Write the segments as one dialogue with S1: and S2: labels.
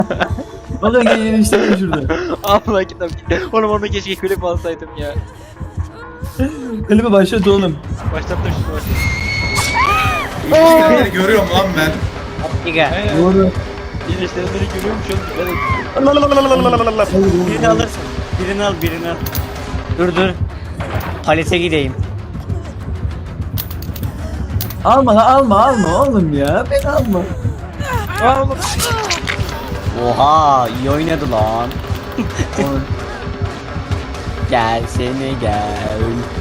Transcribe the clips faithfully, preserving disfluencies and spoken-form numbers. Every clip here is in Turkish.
S1: Oğlum gel işte şurada.
S2: Allah kitap gitti. Oğlum onu keşke klip alsaydım ya.
S1: Klibi başlat oğlum.
S2: Başlattım şunu başlattım.
S3: İşte görüyorum lan ben.
S4: Giga.
S1: Doğru.
S2: İyileştirenleri görüyormuş oğlum. Evet.
S4: Birini alırsın. Birini al, birini al. Dur dur. Palete gideyim.
S1: Alma la alma alma oğlum ya. Ben alma.
S2: Aa oğlum.
S4: Oha, iyi oynadı lan.
S1: Oğlum,
S4: Gel seni gel.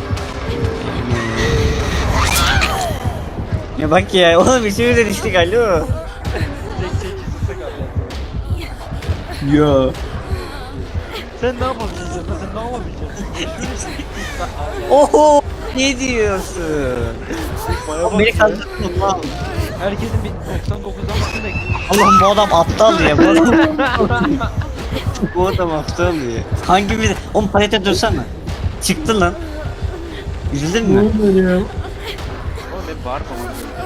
S4: Ya bak ya, oğlum işimiz de düştük alo.
S2: Tek tek kesilse kaldı.
S1: Ya.
S2: Sen ne yapabileceksin? Sen ne yapabileceksin?
S4: Oho, ne diyorsun?
S2: Bana bak
S4: Beni
S2: ya.
S4: kandırdın lan.
S2: Herkesin bir doksan dokuzdan bakın bekliyor.
S4: Allah'ım bu adam aptal ya bu adam. Bu adam aptal ya. Hangimiz? Oğlum palete dursana. Çıktı lan. Üzüldün
S1: Ne
S4: mü?
S1: oluyor ya?
S2: Oğlum ben bağırmamam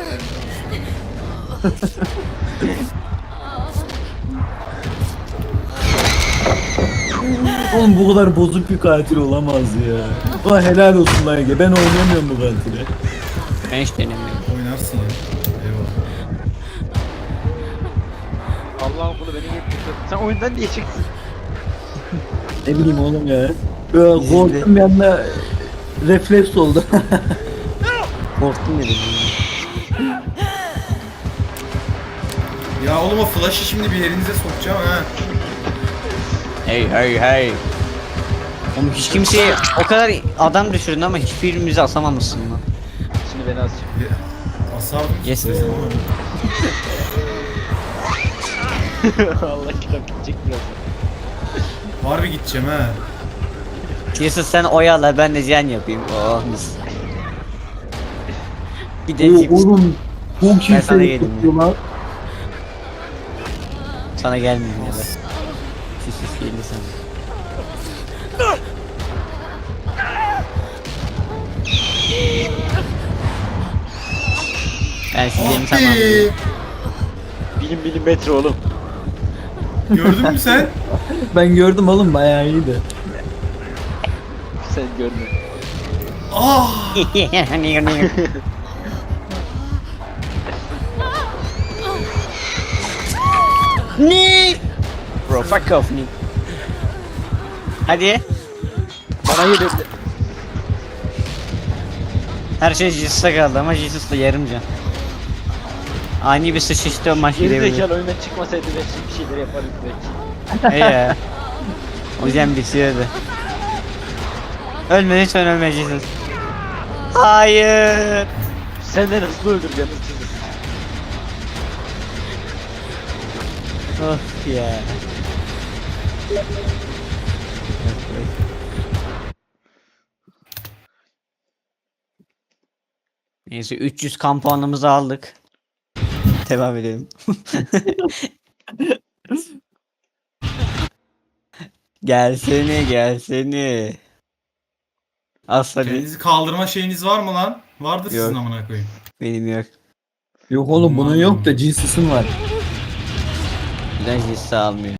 S1: Oğlum bu kadar bozuk bir katil olamaz ya. Ulan helal olsun lan Ege. Ben oynayamıyorum bu katili.
S4: Ben hiç denemiyorum.
S3: Oynarsın ya. Eyvallah.
S2: Allah'ım bunu beni getirdi. Sen oyundan niye çıktın?
S1: Ne bileyim oğlum ya. Böyle korktum bir anda refleks oldu.
S4: Korktum dedim.
S3: Ya oğlum o flash'ı şimdi bir yerinize sokacağım ha.
S4: Hey hey hey. Oğlum hiç kimseye o kadar adam düşürdün ama hiçbirimizi asamamışsın lan.
S2: Şimdi beni asacak.
S3: Bir- Asardım
S4: Yes.
S3: istedim ama.
S2: Allah kitap gidecek biraz.
S3: Harbi gideceğim ha.
S4: Yusuf sen oyala ben de ziyan yapayım. Oh mis. Bir de
S1: Oo,
S4: cips.
S1: oğlum bu
S4: Ben
S1: kimse
S4: sana yedim
S1: tutuyor lan.
S4: Sana gelmiyor ya da. Sis sis geldi sana. Ben sizlerini tamam.
S3: Abi.
S2: Bilim milimetre oğlum.
S3: Gördün mü sen?
S1: Ben gördüm oğlum bayağı iyiydi.
S2: Sen görme.
S3: Ah.
S4: Ne? Bro fuck off Nick. Hadi.
S2: Bana geliyor.
S4: Her şey Jesus'a kaldı ama Jesus da yarım can. Ani bir sıçıştı maç
S2: Geri
S4: gidebilir.
S2: zekalı oyundan çıkmasaydı ben bir şeyler yapardım belki.
S4: He ya. O yüzden bitiyordu. Ölme lütfen ölme Jesus. Hayır.
S2: Senden hızlı öldüreceğim hızlı.
S4: Of ya. Neyse üç yüz kan puanımızı aldık. Devam edelim. Gelsene gelsene. Asla
S3: Kendinizi kaldırma şeyiniz var mı lan? Vardır
S4: Yok.
S3: sizin amına koyayım.
S4: benim yok.
S1: Yok oğlum bunun yok da Jesus'un var.
S4: Neden Jesus almıyor?